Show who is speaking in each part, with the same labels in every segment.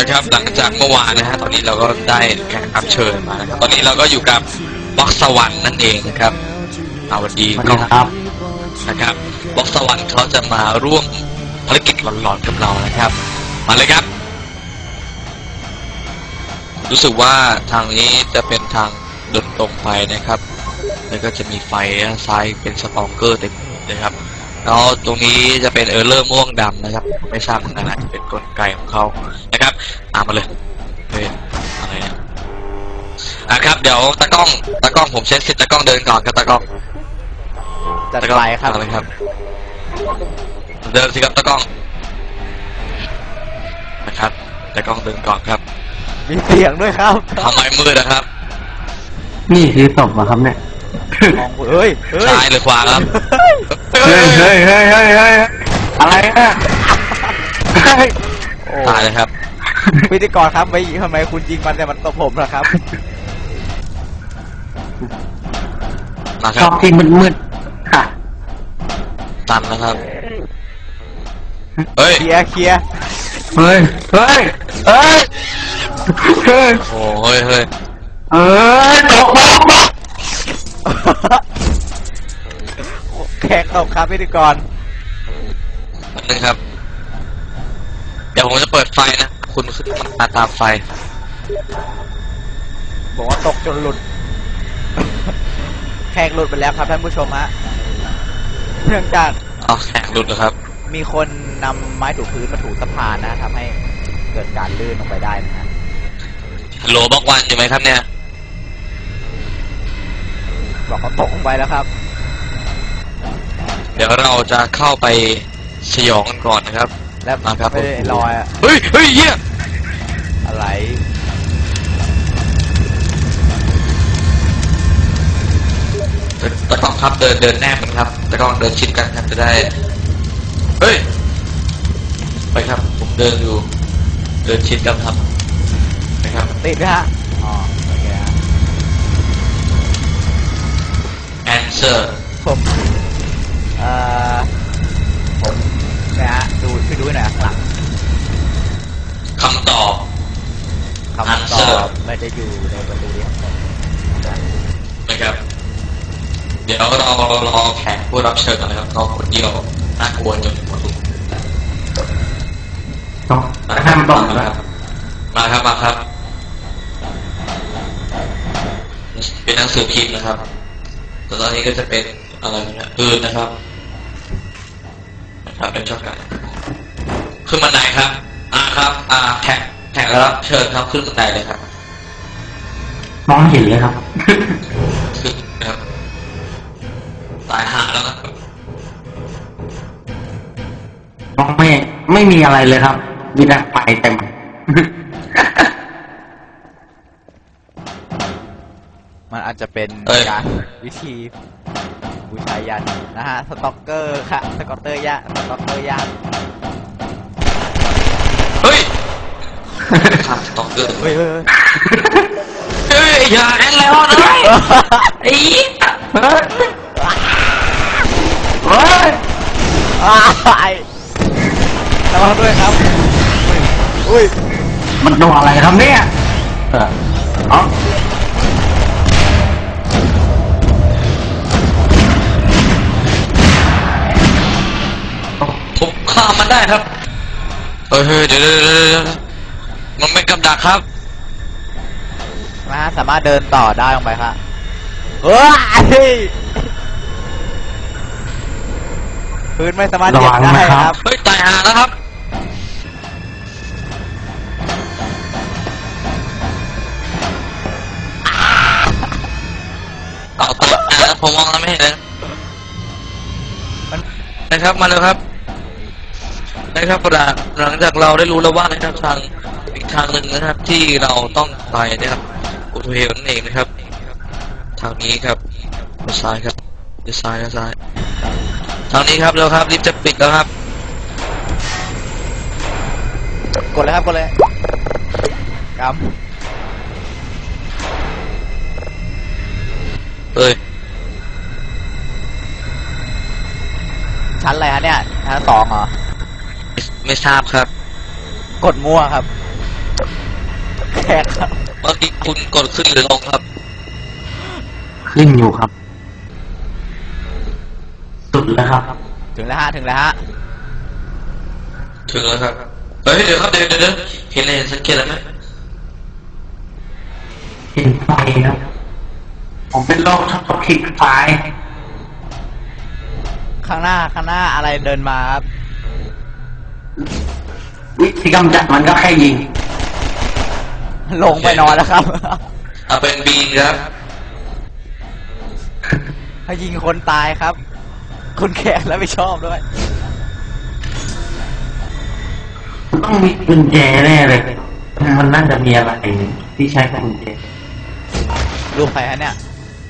Speaker 1: นะครับหลังจากเมื่อวานนะฮะตอนนี้เราก็ได้แขกรับเชิญมานะครับตอนนี้เราก็อยู่กับบล็อกสวรรค์นั่นเองนะครับสวัสดีครับนะครับบล็อกสวรรค์เขาจะมาร่วมภารกิจหลอนๆกับเรานะครับมาเลยครับรู้สึกว่าทางนี้จะเป็นทางเดินตรงไปนะครับแล้วก็จะมีไฟซ้ายเป็นสตองเกอร์เต็มเลยครับแล้วตรงนี้จะเป็นเลอร์ม่วงดำนะครับไม่ทราบเหมือนกันอาจจะเป็นกลไกของเขานะครับตามมาเลยเฮ้ยอะไรเนี่ยครับเดี๋ยวตากล้องผมเช็คสิทธิ์ตากล้องเดินก่อนครับตากล้อง
Speaker 2: จัดไปครับ
Speaker 1: อะไรครับเดินสิครับตากล้องนะครับตากล้องเดินก่อนครับ
Speaker 2: มีเสียงด้วยครับ
Speaker 1: ทำไมมืดนะครับ
Speaker 3: นี่คือศพเหรอครับเนี่ย
Speaker 2: เฮ้ย
Speaker 1: ซ้ายหรือขวาครับ
Speaker 3: เฮ้ยอะไรอ่ะ
Speaker 1: ตายเลยครับ
Speaker 2: พิธีกรครับทำไมคุณยิงมันแต่มันตบผมล่ะครับ
Speaker 1: มาค
Speaker 3: ช
Speaker 1: รั
Speaker 3: อบที่มืดค่ะ
Speaker 1: ตันนะครับเฮ้ย
Speaker 2: เคลียร์
Speaker 3: เฮ้ย
Speaker 1: โอ้เฮ้ย
Speaker 3: ตก
Speaker 2: แขกตกครับพิธีกร
Speaker 1: นึงครับเดี๋ยวผมจะเปิดไฟนะคุณขึ้นมาตามไฟ
Speaker 2: บอกว่าตกจนหลุดแขกหลุดไปแล้วครับท่านผู้ชมฮะเนื่องจาก
Speaker 1: แขกหลุดแล้วครับ
Speaker 2: มีคนนำไม้ถูพื้นมาถูสะพานนะทำให้เกิดการลื่นลงไปได้นะฮะ
Speaker 1: โลบอกวันอยู่ไหมครับเนี่ย
Speaker 2: บอกเขาตกลงไปแล้วครับ
Speaker 1: เดี๋ยวเราจะเข้าไปสยองกันก่อนนะครับ
Speaker 2: แล้ว
Speaker 1: มาครับ
Speaker 2: ไม่ได้ลอย
Speaker 1: เฮ้ยเหี้ย
Speaker 2: อะไร
Speaker 1: ตะกล้องครับเดินแนบกันครับตะกล้องเดินชิดกันครับจะได้เฮ้ยไปครับผมเดินอยู่เดินชิดกันครับนะครับ
Speaker 2: ติดไหมฮะอ๋อโอเคฮะ
Speaker 1: answer
Speaker 2: ผมนะฮะดูไปดูหน่อยข้างหลัง
Speaker 1: คำตอบ
Speaker 2: ไม่ได้อยู่ในประตูนี้
Speaker 1: นะครับเดี๋ยวเรารอแขกผู้รับเชิญกันนะครับเขาคนเดียวน่ากลัวจนหมดทุก
Speaker 3: มาทำต่อครับ
Speaker 1: มาครับเป็นหนังสือพิมพ์นะครับตอนนี้ก็จะเป็นอะไรนะปืนนะครับเป็นช็อตกันขึ้นบันไดครับครับแขกรับเชิญครับขึ้นบันไดเลยครับ
Speaker 3: มองเห็นเลยครับ
Speaker 1: ขึ้นครับตายหาแล้วครับ
Speaker 3: มองไม่มีอะไรเลยครับมีแต่ไฟเต็ม
Speaker 2: มันอาจจะเป็นการวิธีบูชายันนะฮะสต็อกเกอร์ค่ะสต็อกเกอร์ย่าง
Speaker 1: เฮ้ยสต็อกเกอร์
Speaker 2: เฮ้ย
Speaker 1: อย่าแอนแล้วนะไอ้
Speaker 2: ระวังด้วยครับอุ้ย
Speaker 3: มันตัวอะไรครับเนี่ย
Speaker 1: ผมฆ่ามันได้ครับเฮ้ยเดี๋ยวมันเป็นกับดักครับ
Speaker 2: มาสามารถเดินต่อได้ลงไปครับพื้นไม่สามารถเหยียบได้ครับ
Speaker 1: เฮ้ยตายหาแล้วครับเอาตัวผมมองแล้วไม่เห็นเลยนะครับมาเลยครับนะครับหลังจากเราได้รู้แล้วว่านะครับทางอีกทางหนึ่งนะครับที่เราต้องไปนะครับอุทเฮลนั่นเองนะครับทางนี้ครับซ้ายครับซ้ายทางนี้ครับเร็วครับรีบจะปิดแล้วครับ
Speaker 2: กดเลยกำชั้นอะไรฮะเนี่ยชั้น2เหรอ
Speaker 1: ไม่ทราบครับ
Speaker 2: กดมั่วครับแขกครับ
Speaker 1: เมื่อกี้คุณกดขึ้นหรือลงครับ
Speaker 3: ขึ้นอยู่ครับ สุดแล้วครับ
Speaker 2: ถึงแล้วฮะถึงแล้วฮะ
Speaker 1: ถึงแล้วครับเฮ้ยเดี๋ยวครับเดี๋ยวเห็นอะไรสังเกตอะไรไหม
Speaker 3: เห็นไฟครับ ผมเป็นโรคชอบคลิกไฟ
Speaker 2: ข้างหน้าอะไรเดินมาครับ
Speaker 3: วิธีกำจัดมันก็แค่ยิง
Speaker 2: ลงไปนอนแล้วครับ
Speaker 1: เอาเป็นบีนครับ
Speaker 2: ให้ยิงคนตายครับ คุณแขกแล้วไม่ชอบด้วย
Speaker 3: ต้องมีกุญแจแน่เลย มันน่าจะมีอะไรที่ใช้กุญแจ
Speaker 2: รูปใครฮะเนี่ย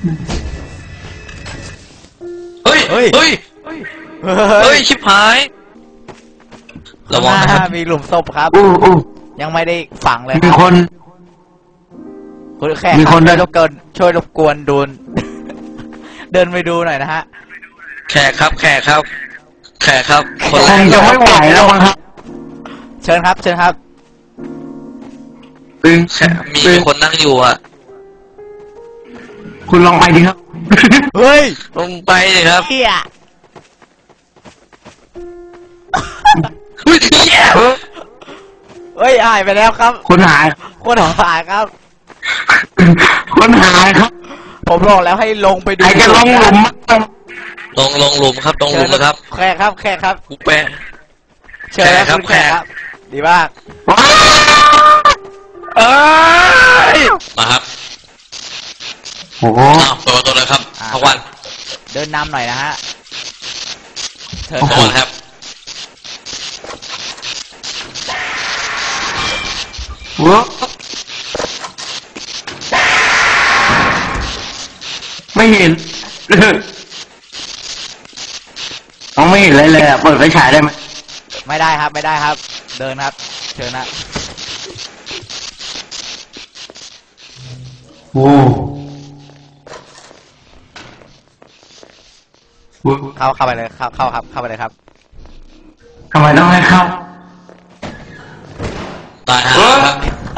Speaker 1: เฮ้ย
Speaker 2: เฮ้ย
Speaker 1: เฮ้ยเฮ้ยชิบหายระวังนะครับ
Speaker 2: มีหลุมศพครับ
Speaker 3: อู้
Speaker 2: ยังไม่ได้ฝังเลย
Speaker 3: มี
Speaker 2: รับ
Speaker 3: คน
Speaker 2: คุณแขก
Speaker 3: มีคน
Speaker 2: ช่
Speaker 3: เดิ
Speaker 2: วน ยรบกวนช่วยรบกวนดู เดินไปดูหน่อยนะฮะ
Speaker 1: แขกครับคน
Speaker 3: คงจะไม่ไหวแล้วมั้งครับ
Speaker 2: เชิญครับ เชิญครับ
Speaker 3: ตึง
Speaker 1: มี
Speaker 3: ตึง
Speaker 1: คนนั่งอยู่อ่ะ
Speaker 3: คุณลองไปดิครับ
Speaker 2: เฮ้ย
Speaker 1: ลงไปเลยครับ
Speaker 2: เฮีย
Speaker 1: เฮ้ยเหี้ย
Speaker 2: เฮ้ยหายไปแล้วครับ
Speaker 3: คนหาย
Speaker 2: คนหายครับ
Speaker 3: คนหายครับ
Speaker 2: ผมบอกแล้วให้ลงไปดู
Speaker 3: ใครจะลงหลุมมั้ง
Speaker 1: ลงหลุมครับลงหลุมนะครับ
Speaker 2: แขกครับ แขกครับ
Speaker 1: กูแปะ
Speaker 2: เชิญครับ
Speaker 1: แขกครับ
Speaker 2: คุณแขกครับ ดีมาก
Speaker 3: ว้าว
Speaker 1: เอ้ยมาครับ
Speaker 3: โอ้โห
Speaker 1: อ้าวเปิดประตูเลยครับพวัน
Speaker 2: เดินนำหน่อยนะฮะ เชิญ
Speaker 1: พ
Speaker 2: ครั
Speaker 1: วั
Speaker 2: บ
Speaker 1: นครับ
Speaker 3: ว้าวไม่เห็นมองไม่เห็นเลยอะเปิดไฟฉายได้ไหม
Speaker 2: ไม่ได้ครับ ไม่ได้ครับ เดินครับ เชิญนะ
Speaker 3: โอ้โห
Speaker 2: เข้าไปเลย เข้าครับ เข้าไปเลยครับ
Speaker 3: ทำไมต้องให้เข้า
Speaker 1: ตายฮะครับ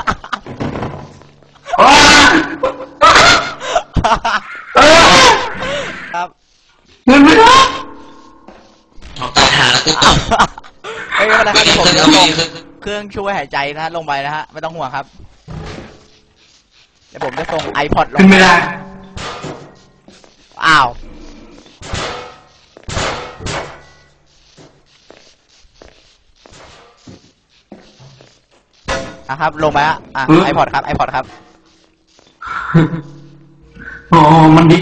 Speaker 3: ว้าว
Speaker 2: ครับ
Speaker 3: เงินไม่ได้
Speaker 1: ตายหาแล้วกูตก
Speaker 2: เฮ้ยไม่เป็นไรครับ
Speaker 1: ไม่
Speaker 2: ผม
Speaker 1: ได้
Speaker 2: จะ
Speaker 1: ไม่
Speaker 2: ส่ง
Speaker 1: ได้
Speaker 2: เครื่องช่วยหายใจนะฮะลงไปนะฮะ ไม่ต้องห่วงครับ เดี๋ยวผมจะส่ง iPod ลง
Speaker 3: ขึ้นไม่ได้
Speaker 2: อ้าว ครับ ลงไปฮะiPod ครับ iPod ครับ
Speaker 3: โอ้มันดิ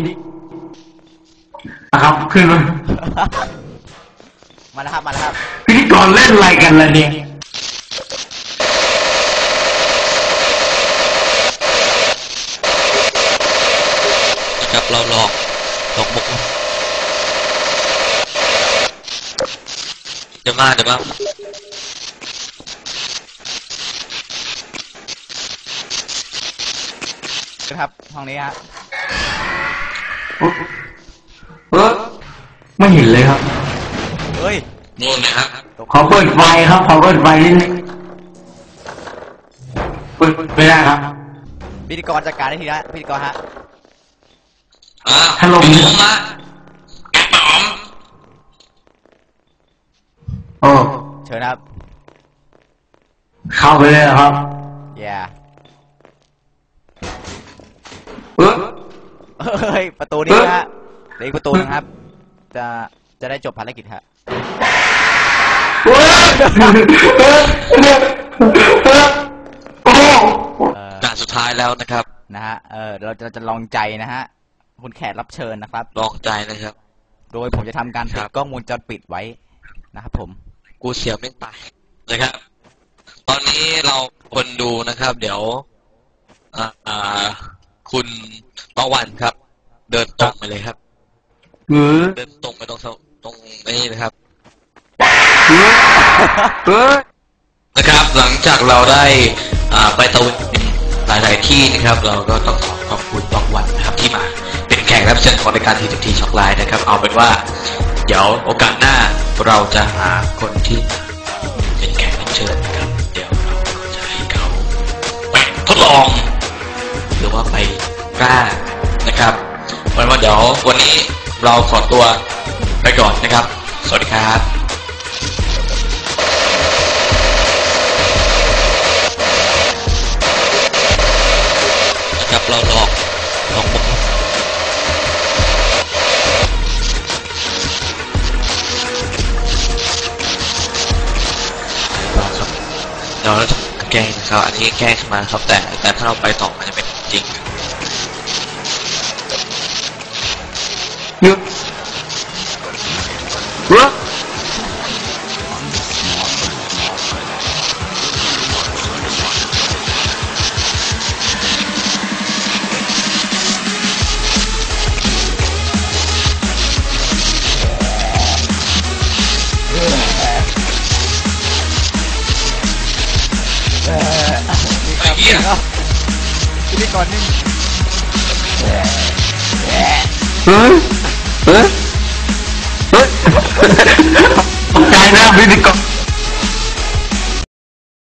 Speaker 3: นะครับขึ้นมา
Speaker 2: มาแล้วครับ มาแล้วครับ
Speaker 3: พิธีกรเล่นอะไรกันล่ะเนี่ย
Speaker 1: นะครับเราหลอกมุกเดี๋ยวมา
Speaker 2: ครับ ห้องนี้ฮะ
Speaker 3: ไม่เห็นเลยครับ
Speaker 2: เฮ้ย
Speaker 1: นู่นนะครับ
Speaker 3: ขอเปิดไฟครับ ขอเปิดไฟนิดนึงเปิดไม่ได้ครับ
Speaker 2: พิธีกรจัดการได้ทีละพิธีกรฮะ
Speaker 3: ถล่ม
Speaker 1: ลงมาแอบปอม
Speaker 3: โอ้
Speaker 2: เชิญครับ
Speaker 3: เข้าไปเลยเหรอครับ
Speaker 2: อย่า
Speaker 3: เออ
Speaker 2: เฮ้ย ประตูนี้นะฮะเหลืออีกประตูนึงครับ จะได้จบภารกิจฮะ
Speaker 3: โอ้
Speaker 1: ด่านสุดท้ายแล้วนะครับ
Speaker 2: นะฮะ เราจะลองใจนะฮะ คุณแขกรับเชิญนะครับ
Speaker 1: ลองใจนะครับ
Speaker 2: โดยผมจะทำการติ
Speaker 1: ครั
Speaker 2: ด
Speaker 1: บ
Speaker 2: กล้องวงจรปิดไว้นะครับผม
Speaker 1: กูเสียไม่ตายนะครับ ตอนนี้เราคนดูนะครับ เดี๋ยวคุณประวันครับ เดินตรงไปเลยครับ
Speaker 3: เออ
Speaker 1: เดินตรงไปตรงนี้นะครับ
Speaker 3: เออ
Speaker 1: นะครับ หลังจากเราได้ไปตะเวนหลายๆที่นะครับ เราก็ต้องขอบคุณประวันนะครับที่มาเป็นแขกรับเชิญของรายการทีทีช็อกไลน์นะครับ เอาเป็นว่า เดี๋ยวโอกาสหน้าเราจะหาคนที่เป็นแขกรับเชิญนะครับ เดี๋ยวเราก็จะให้เขาแปะทดลอง หรือว่าไปกล้านะครับวันว่าเดี๋ยววันนี้เราขอตัวไปก่อนนะครับสวัสดีครับนะครับเราลองบุกครับเราจะแก้นะครับอันนี้แก้ขึ้นมาครับแต่ถ้าเราไปต่อมันจะเป็นจริง
Speaker 3: หยุดรัก
Speaker 1: ไอ้เหี้ย
Speaker 2: พิธีกรนี่
Speaker 3: เฮ้ยเฮ้ยเฮ้ยตกใจนะพิธีกร